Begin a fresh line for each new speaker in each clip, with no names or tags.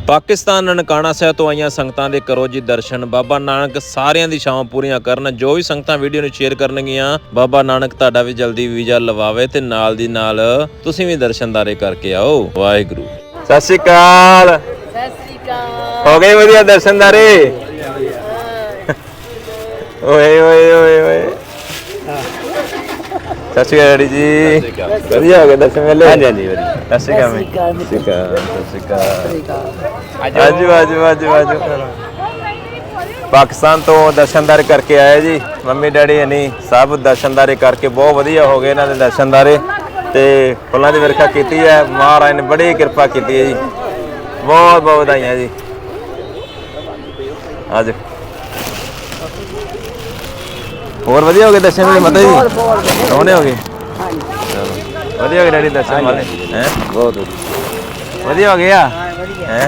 पाकिस्तान ननकाना साहिब तो आईयां संगतां दे करो जी दर्शन। बाबा नानक सारियां दी छावां पूरीआं करन। जो भी संगतां वीडियो नूं शेयर करनगियां, बाबा नानक तुहाडा भी जल्दी वीज़ा लवावे ते नाल दी नाल तुसीं भी दर्शनदारे करके आओ। वाहिगुरू। सत श्री अकाल। हो गए वधिया दर्शनदारे? ओए ओए ओए ओए सत श्री अकाल जी। वधिया हो गए दर्शन मेले? हाँ जी हाँ जी सत श्री अकाल। सत श्री अकाल। आजो आजो आजो आजो। पाकिस्तान तो दर्शनदारे करके आए जी। मम्मी डैडी हनी सब दर्शनदारे करके बहुत वधिया हो गए इन्हां दे दर्शनदारे ते फुल्लां दी वर्खा कीती है। महाराज ने बड़ी कृपा की है जी। बहुत बहुत बधाइयां जी। आज और वधिया हो गए दर्शन मेले माता जी? सोहने हो गए? चलो वधिया हो गए डैडी दर्शन वाले हैं? बहुत वधिया हो गया हैं?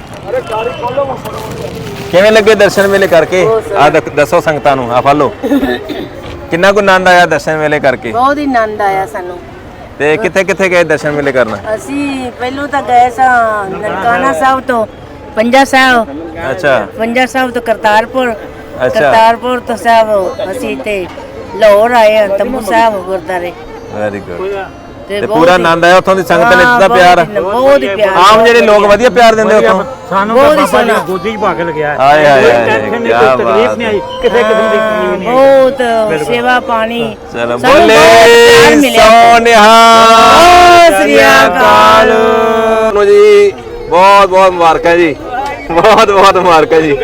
किवें लगे दर्शन मेले करके? आ दसो संगतां नूं। आ फलो किन्ना को आनंद आया दर्शन मेले करके?
बहुत ही आनंद आया सानू।
ते किथे किथे गए दर्शन मेले करना?
ਅਸੀਂ ਪਹਿਲੋਂ ਤਾਂ ਗਏ ਸਾਂ ਨਨਕਾਣਾ ਸਾਹਿਬ ਤੋਂ ਪੰਜਾ ਸਾਹਿਬ।
अच्छा
ਪੰਜਾ ਸਾਹਿਬ ਤੋਂ ਕਰਤਾਰਪੁਰ।
अच्छा
ਕਰਤਾਰਪੁਰ ਤੋਂ ਸਾਹਿਬ ਅਸੀਂ ਤੇ ਲਾਹੌਰ ਆਏ ਹਾਂ ਤੰਬੂ ਸਾਹਿਬ ਗੁਰਦਾਰੇ।
Very good. ਤੇ ਪੂਰਾ ਆਨੰਦ ਆਇਆ ਉੱਥੋਂ ਦੀ ਸੰਗਤ ਨੇ ਦਿੱਤਾ ਪਿਆਰ?
ਬਹੁਤ ਹੀ ਪਿਆਰ।
ਆਮ ਜਿਹੜੇ ਲੋਕ ਵਧੀਆ ਪਿਆਰ ਦਿੰਦੇ ਉੱਥੋਂ?
ਸਾਨੂੰ ਤਾਂ ਬਾਬਾ ਜੀ ਗੋਦੀ 'ਚ ਭਾਗ ਲਗਿਆ।
ਹਾਏ ਹਾਏ ਹਾਏ
ਕੋਈ ਤਕਲੀਫ ਨਹੀਂ ਆਈ ਕਿਸੇ ਕਿਸਮ ਦੀ ਤਕਲੀਫ ਨਹੀਂ ਆਈ।
ਬਹੁਤ ਸੇਵਾ ਪਾਣੀ।
ਚਲੋ ਬੋਲੇ ਸੋਨਿਹਾ ਸ੍ਰੀ ਅਕਾਲ ਨੂੰ ਜੀ। ਬਹੁਤ ਬਹੁਤ ਮੁਬਾਰਕਾਂ ਜੀ। ਬਹੁਤ ਬਹੁਤ ਮੁਬਾਰਕਾਂ ਜੀ।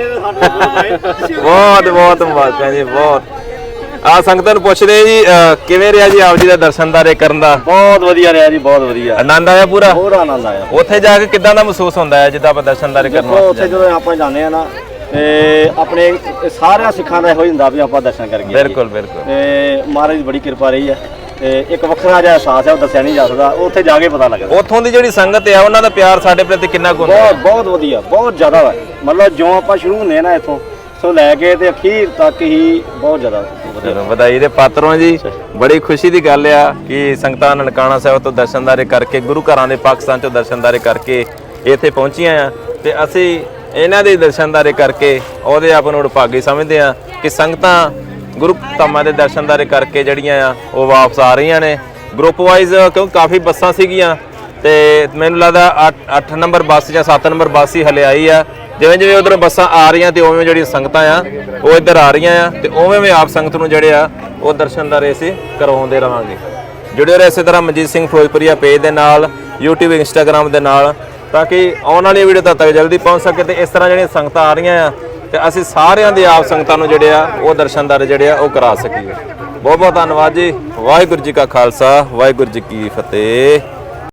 ਬਹੁਤ ਬਹੁਤ ਮੁਬਾਰਕਾਂ ਜੀ। ਬਹੁਤ ਆ ਸੰਗਤਾਂ ਨੂੰ ਪੁੱਛਦੇ ਜੀ ਕਿਵੇਂ ਰਿਹਾ ਜੀ ਆਪ ਜੀ ਦਾ ਦਰਸ਼ਨਦਾਰੇ ਕਰਨ ਦਾ?
ਬਹੁਤ ਵਧੀਆ ਰਿਹਾ ਜੀ। ਬਹੁਤ ਵਧੀਆ
ਆਨੰਦ ਆਇਆ ਪੂਰਾ?
ਪੂਰਾ ਆਨੰਦ ਆਇਆ।
ਉੱਥੇ ਜਾ ਕੇ ਕਿੱਦਾਂ ਦਾ ਮਹਿਸੂਸ ਹੁੰਦਾ ਹੈ ਜਿੱਦਾਂ ਆਪਾਂ ਦਰਸ਼ਨਦਾਰੇ ਕਰਨ ਵਾਸਤੇ
ਉੱਥੇ ਜਦੋਂ ਆਪਾਂ ਜਾਂਦੇ ਆ ਨਾ ਤੇ ਆਪਣੇ ਸਾਰਿਆਂ ਸਿੱਖਾਂ ਦਾ ਇਹੋ ਹੀ ਹੁੰਦਾ ਵੀ ਆਪਾਂ ਦਰਸ਼ਨ ਕਰੀਏ।
ਬਿਲਕੁਲ ਬਿਲਕੁਲ।
ਤੇ ਮਹਾਰਾਜ ਦੀ ਬੜੀ ਕਿਰਪਾ ਰਹੀ ਹੈ ਤੇ ਇੱਕ ਵੱਖਰਾ ਜਿਹਾ ਅਹਿਸਾਸ ਹੈ ਉਹ ਦੱਸਿਆ ਨਹੀਂ ਜਾ ਸਕਦਾ। ਉੱਥੇ ਜਾ ਕੇ ਪਤਾ ਲੱਗਦਾ।
ਉੱਥੋਂ ਦੀ ਜਿਹੜੀ ਸੰਗਤ ਹੈ ਉਹਨਾਂ ਦਾ ਪਿਆਰ ਸਾਡੇ ਪ੍ਰਤੀ ਕਿੰਨਾ ਕੁ ਹੁੰਦਾ?
ਬਹੁਤ ਬਹੁਤ ਵਧੀਆ। ਬਹੁਤ ਜ਼ਿਆਦਾ ਵਾ। ਮਤਲਬ ਜਿਉਂ ਆਪਾਂ ਸ਼ੁਰੂ ਹੁੰਦੇ ਆ ਨਾ ਇੱਥੋਂ ਸੋ ਲੈ ਕੇ ਤੇ ਅਖੀਰ ਤੱਕ ਹੀ ਬਹੁਤ ਜ਼ਿਆਦਾ
ਚਲੋ ਵਧਾਈ ਦੇ ਪਾਤਰ ਹੋ ਜੀ। ਬੜੀ ਖੁਸ਼ੀ ਦੀ ਗੱਲ ਆ ਕਿ ਸੰਗਤਾਂ ਨਨਕਾਣਾ ਸਾਹਿਬ ਤੋਂ ਦਰਸ਼ਨਦਾਰੇ ਕਰਕੇ ਗੁਰੂ ਘਰਾਂ ਦੇ ਪਾਕਿਸਤਾਨ ਤੋਂ ਦਰਸ਼ਨਦਾਰੇ ਕਰਕੇ ਇੱਥੇ ਪਹੁੰਚੀਆਂ ਆ ਤੇ ਅਸੀਂ ਇਹਨਾਂ ਦੇ ਦਰਸ਼ਨਦਾਰੇ ਕਰਕੇ ਉਹਦੇ ਆਪ ਨੂੰ ਭਾਗੀ ਸਮਝਦੇ ਆ ਕਿ ਸੰਗਤਾਂ ਗੁਰੂ ਧਾਮਾਂ ਦੇ ਦਰਸ਼ਨਦਾਰੇ ਕਰਕੇ ਜਿਹੜੀਆਂ ਆ ਉਹ ਵਾਪਸ ਆ ਰਹੀਆਂ ਨੇ ਗਰੁੱਪ ਵਾਈਜ਼। ਕਿਉਂਕਿ ਕਾਫੀ ਬੱਸਾਂ ਸੀਗੀਆਂ ਤੇ ਮੈਨੂੰ ਲੱਗਦਾ 8 ਨੰਬਰ ਬੱਸ ਜਾਂ 7 ਨੰਬਰ ਬੱਸ ਹੀ ਹਲੇ ਆਈ ਆ। ਜਿਵੇਂ ਜਿਵੇਂ ਉਧਰੋਂ ਬੱਸਾਂ ਆ ਰਹੀਆਂ ਤੇ ਉਵੇਂ ਜਿਹੜੀਆਂ ਸੰਗਤਾਂ ਆ ਉਹ ਇੱਧਰ ਆ ਰਹੀਆਂ ਆ ਤੇ ਉਵੇਂ ਆਪ ਸੰਗਤ ਨੂੰ ਜਿਹੜੇ ਆ ਉਹ ਦਰਸ਼ਨਦਾਰੇ ਅਸੀਂ ਕਰਵਾਉਂਦੇ ਰਵਾਂਗੇ। ਜੁੜੇ ਰਹੋ ਇਸੇ ਤਰ੍ਹਾਂ ਮਨਜੀਤ ਸਿੰਘ ਫਿਰੋਜ਼ਪੁਰੀਆ ਪੇਜ ਦੇ ਨਾਲ, YouTube ਇੰਸਟਾਗ੍ਰਾਮ ਦੇ ਨਾਲ, ਤਾਂ ਕਿ ਆਉਣ ਵਾਲੀ ਵੀਡੀਓ ਤੱਕ ਜਲਦੀ ਪਹੁੰਚ ਸਕੇ। ਤੇ ਇਸ ਤਰ੍ਹਾਂ ਜਿਹੜੀਆਂ ਸੰਗਤਾਂ ਆ ਰਹੀਆਂ ਆ ਤੇ ਅਸੀਂ ਸਾਰਿਆਂ ਦੇ ਆਪ ਸੰਗਤਾਂ ਨੂੰ ਜਿਹੜੇ ਆ ਉਹ ਦਰਸ਼ਨਦਾਰੇ ਜਿਹੜੇ ਆ ਉਹ ਕਰਾ ਸਕੀਏ। ਬਹੁਤ ਬਹੁਤ ਧੰਨਵਾਦ ਜੀ। ਵਾਹਿਗੁਰੂ ਜੀ ਕਾ ਖਾਲਸਾ, ਵਾਹਿਗੁਰੂ ਜੀ ਕੀ ਫਤਿਹ।